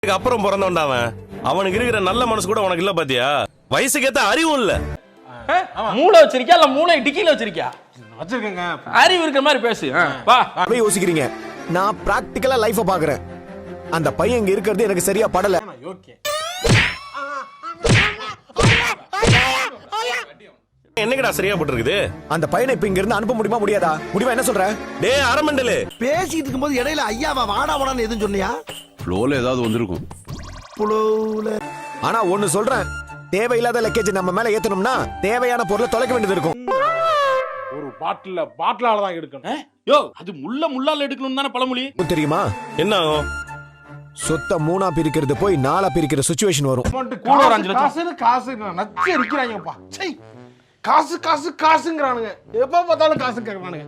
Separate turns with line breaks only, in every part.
அப்புறம் பிறந்தவன்டா அவனுக்கு இருக்கிற நல்ல மனசு கூட உனக்கு இல்ல பாத்தியா? வயசுக்கு ஏத்த அறிவும் இல்ல.
மூளை வச்சிருக்கியா இல்ல மூளை டிக்கில வச்சிருக்கியா?
வச்சிருக்கேங்க.
அறிவு இருக்கிற மாதிரி பேசு. வா.
அப்படியே யோசிக்கிறீங்க. நான் பிராக்டிகலா லைஃப பாக்குறேன். அந்த பையன் இங்க இருக்கிறது எனக்கு சரியா படல.
ஓகே.
என்னங்கடா சரியா போட்டுருக்குது?
அந்த பையனை இப்ப இங்க இருந்து அனுப்ப முடியுமா முடியாதா? முடிவா என்ன சொல்ற?
டேய் அரமண்டலு,
பேசிட்டு இருக்கும்போது இடையில ஐயாவா வாடா வாடான்னு எதுவும் சொன்னியா?
ஃப்ளோல ஏதாவது வந்திருக்கும்.
ஆனா ஒண்ணு சொல்றேன், தேவையில்லாத லக்கேஜ் நம்ம மேல ஏத்தணும்னா தேவையான பொருளை தொலைக்க வேண்டியது இருக்கும்.
ஒரு பாட்டிலால தான் எடுக்கணும்.
யோ, அது முள்ளால எடுக்கணும் தானே பழமொழி.
தெரியுமா
என்ன ஆகும்?
சொத்த மூணா பிரிக்கிறது போய் நாலா பிரிக்கிற சிச்சுவேஷன் வரும்.
கூட ஒரு 5 லட்சம்.
காசுன்னு காசு நச்சு அடிக்கிறாங்கப்பா. சை, காசு காசு காசுங்கறானுங்க. எப்ப பார்த்தாலும் காசு கேக்குறானுங்க.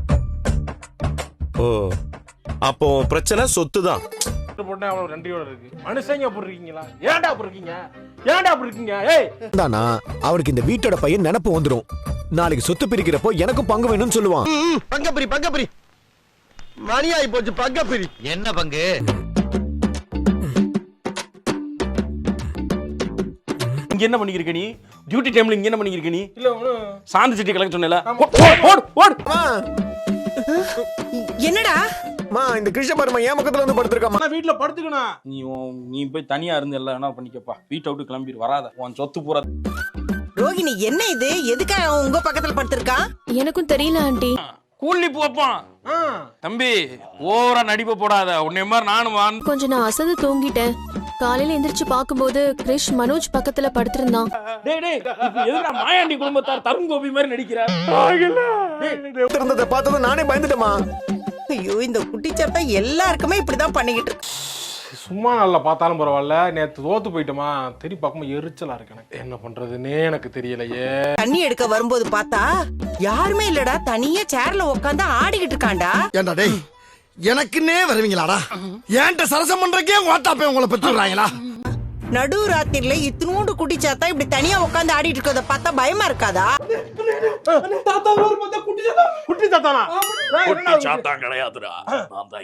ஓ, அப்போ பிரச்சனை சொத்து தான்.
போட்டா அவ்வளவு நன்றியோட இருக்கு. மனுஷங்க அப்படி இருக்கீங்களா? ஏன்டா அப்படி இருக்கீங்க? ஏன்டா அப்படி இருக்கீங்க? ஏய்,
தானா அவருக்கு இந்த வீட்டோட பையன் நினைப்பு வந்துரும். நாளைக்கு சொத்து பிரிக்கிறப்போ எனக்கும் பங்கு வேணும்னு சொல்லுவான்.
பங்கப்பிரி மணி ஆயி போச்சு. பங்கப்பிரி
என்ன பங்கு?
இங்க என்ன பண்ணிக்கிருக்க நீ? டியூட்டி டைம்ல இங்க என்ன பண்ணிக்கிருக்க நீ?
இல்ல
சாந்தி சிட்டி கலெக்ட் சொன்னேல. ஓடு.
என்னடா
இந்த கிருஷ்ண பரமா என் பக்கத்துல வந்து படுத்திருக்காமா.
நான் வீட்ல படுத்துக்கணும்.
நீ போய் தனியா இருந்து எல்லாம் என்ன பண்ணிக்கப்பா. வீட்டை விட்டு கிளம்பி வராத. உன் சொத்து பூரா.
ரோகிணி, என்ன இது? எதுக்காக அவன் உங்க பக்கத்துல படுத்திருக்கான்?
எனக்கும் தெரியல ஆண்டி.
கூலி போப்பான். தம்பி ஓவரா நடிப்ப போடாத. உன்னை மாதிரி நானும்
கொஞ்சம் நான் அசந்து தூங்கிட்டேன். காலையில எந்திரிச்சு பாக்கும்போது கிரிஷ் மனோஜ் பக்கத்துல படுத்திருந்தான்.
டேய் எதுடா மாயாண்டி குடும்பத்தார் தருண் கோபி மாதிரி நடிக்கிறார்?
இருந்ததை பார்த்ததும் நானே பயந்துட்டேமா.
ஐயோ, இந்த குட்டிச்சாத்தா எல்லாருக்குமே இப்படிதான் பண்ணிக்கிட்டு இருக்கு.
சும்மா நல்லா பார்த்தாலும் பரவாயில்ல. நேத்து தோத்து போயிட்டோமா, தெரி பார்க்கும்போது எரிச்சலா இருக்கு எனக்கு. என்ன பண்றதுன்னே எனக்கு தெரியலையே.
தண்ணி எடுக்க வரும்போது பார்த்தா யாருமே இல்லடா. தனியா சேர்ல உட்காந்து ஆடிக்கிட்டு இருக்கான்டா.
ஏண்டா டேய், எனக்குன்னே வருவீங்களாடா? ஏன்ட்ட சரசம் பண்றக்கே ஓட்டாப்பே உங்களை பெற்றுறாங்களா?
நடு ராத்திரில இத்தினூண்டு குட்டிச்சாத்தா இப்படி தனியா உட்காந்து ஆடிட்டு இருக்கத பார்த்தா பயமா இருக்காதா?
குட்டி தாத்தானா?
சாத்தான் கிடையாதுடா. நான் தான்